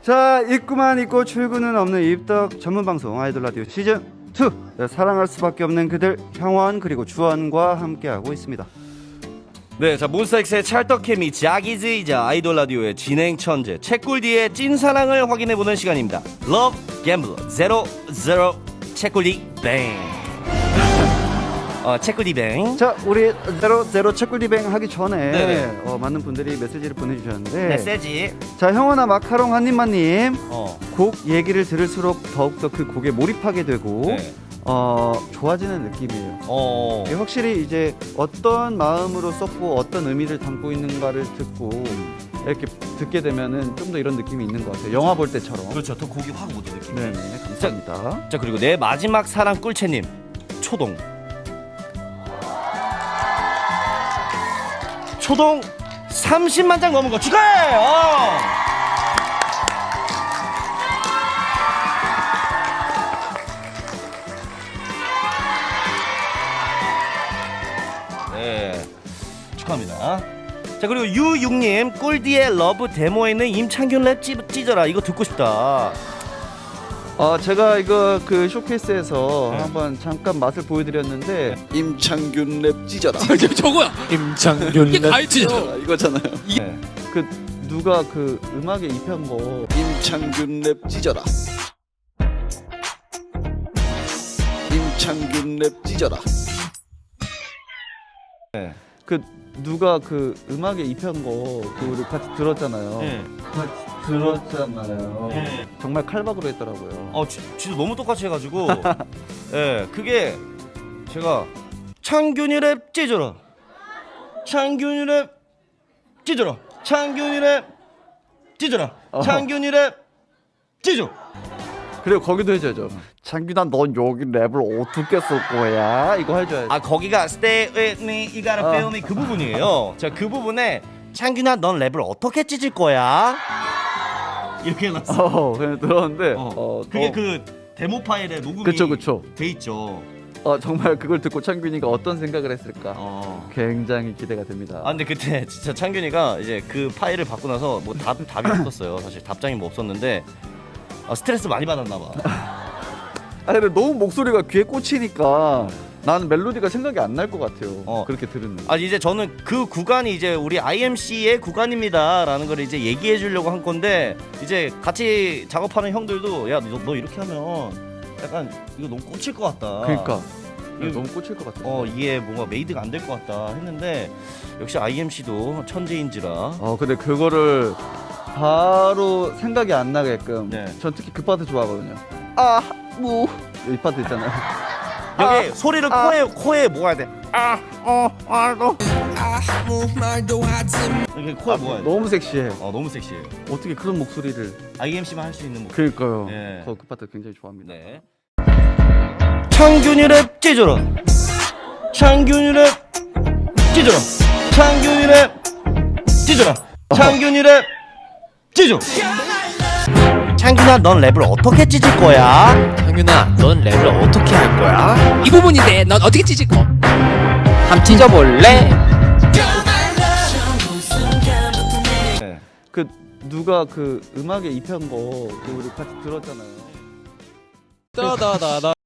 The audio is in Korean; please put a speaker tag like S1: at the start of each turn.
S1: 자, 입구만 있고 출구는 없는 입덕 전문 방송 아이돌 라디오 시즌 2. 사랑할 수밖에 없는 그들 형원 그리고 주원과 함께하고 있습니다.
S2: 네, 자 몬스타엑스의 찰떡케미 자기즈이자 아이돌 라디오의 진행 천재 책꿀디의 찐사랑을 확인해보는 시간입니다. 러브 갬블러 00 책꿀디 뱅. 책꿀디 뱅.
S1: 자, 우리 제로 책꿀리뱅 하기 전에
S2: 네네.
S1: 많은 분들이 메시지를 보내주셨는데
S2: 메시지.
S1: 자, 형원아 마카롱 한입만님 곡
S2: 어.
S1: 얘기를 들을수록 더욱더 그 곡에 몰입하게 되고
S2: 네.
S1: 좋아지는 느낌이에요. 이게
S2: 어.
S1: 확실히 이제 어떤 마음으로 썼고 어떤 의미를 담고 있는가를 듣고 이렇게 듣게 되면은 좀 더 이런 느낌이 있는 것 같아요. 영화 볼 때처럼.
S2: 그렇죠. 더 곡이 확 오는 느낌.
S1: 네, 감사합니다.
S2: 자 그리고 내 마지막 사랑 꿀채님 초동 30만 장 넘은 거 축하해! 네, 축하합니다. 자 그리고 유육님 꿀디의 러브 데모에 있는 임창균 랩 찢어라 이거 듣고 싶다.
S1: 제가 이거 그 쇼케이스에서
S2: 네.
S1: 한번 잠깐 맛을 보여드렸는데
S3: 임창균 랩 찢어라.
S4: 저거야. 임창균 이게 가이드죠.
S3: 이거잖아요.
S2: 네.
S1: 그 누가 그 음악에 입힌 거
S3: 임창균 랩 찢어라. 임창균 랩 찢어라.
S2: 네.
S1: 그 누가 그 음악에 입힌 거 그 우리 같이 들었잖아요.
S2: 네.
S1: 같이 들었잖아요.
S2: 네.
S1: 정말 칼박으로 했더라고요.
S2: 진짜 너무 똑같이 해가지고 예, 그게 제가 창균이 랩 찢어라 창균이 랩 찢어라 창균이 랩 찢어라 창균이 랩 찢어.
S1: 그리고 거기도 해줘야죠. 창균아, 넌 여기 랩을 어떻게 쓸 거야? 이거 해줘야지.
S2: 거기가 Stay with me, you gotta feel me 그 부분이에요. 제가 그 부분에 창균아 넌 랩을 어떻게 찢을 거야? 이렇게 해놨어.
S1: 그냥 들었는데
S2: 그게 그 데모 파일에 녹음이
S1: 그쵸.
S2: 돼 있죠.
S1: 정말 그걸 듣고 창균이가 어떤 생각을 했을까? 굉장히 기대가 됩니다.
S2: 근데 그때 진짜 창균이가 이제 그 파일을 받고 나서 뭐 답이 없었어요. 사실 답장이 뭐 없었는데 스트레스 많이 받았나 봐.
S1: 근데 너무 목소리가 귀에 꽂히니까 나는 멜로디가 생각이 안 날 것 같아요. 그렇게 들으면.
S2: 이제 저는 그 구간이 이제 우리 IMC의 구간입니다라는 걸 이제 얘기해 주려고 한 건데 이제 같이 작업하는 형들도 야 너 이렇게 하면 약간 이거 너무 꽂힐 것 같다.
S1: 그러니까
S2: 이거-
S1: 너무 꽂힐 것 같아요.
S2: 이게 뭔가 메이드가 안 될 것 같다 했는데 역시 IMC도 천재인지라.
S1: 근데 그거를 바로 생각이 안 나게끔.
S2: 네.
S1: 전 특히 그 파트 좋아하거든요. 이 파트 있잖아요.
S2: 여기 소리를 코에 모아야 돼. 너 이렇게 코에 모아야 돼.
S1: 너무 섹시해.
S2: 너무 섹시해.
S1: 어떻게 그런 목소리를?
S2: IMC만 할 수 있는 목소리.
S1: 그러니까요.
S2: 네.
S1: 그 파트 굉장히 좋아합니다.
S2: 네. 창균이 랩 찢어라. 창균이 랩 찢어라. 창균이 랩 찢어라. 창균이 랩 찢어. 창균아 넌 랩을 어떻게 찢을 거야?
S4: 창균아, 넌 랩을 어떻게 할 거야? 이 부분인데 넌 어떻게 찢을 거? 함 찢어볼래?
S2: 네.
S1: 그 누가 그 음악에 입힌 거 그 우리 같이 들었잖아요.
S4: 따다다다.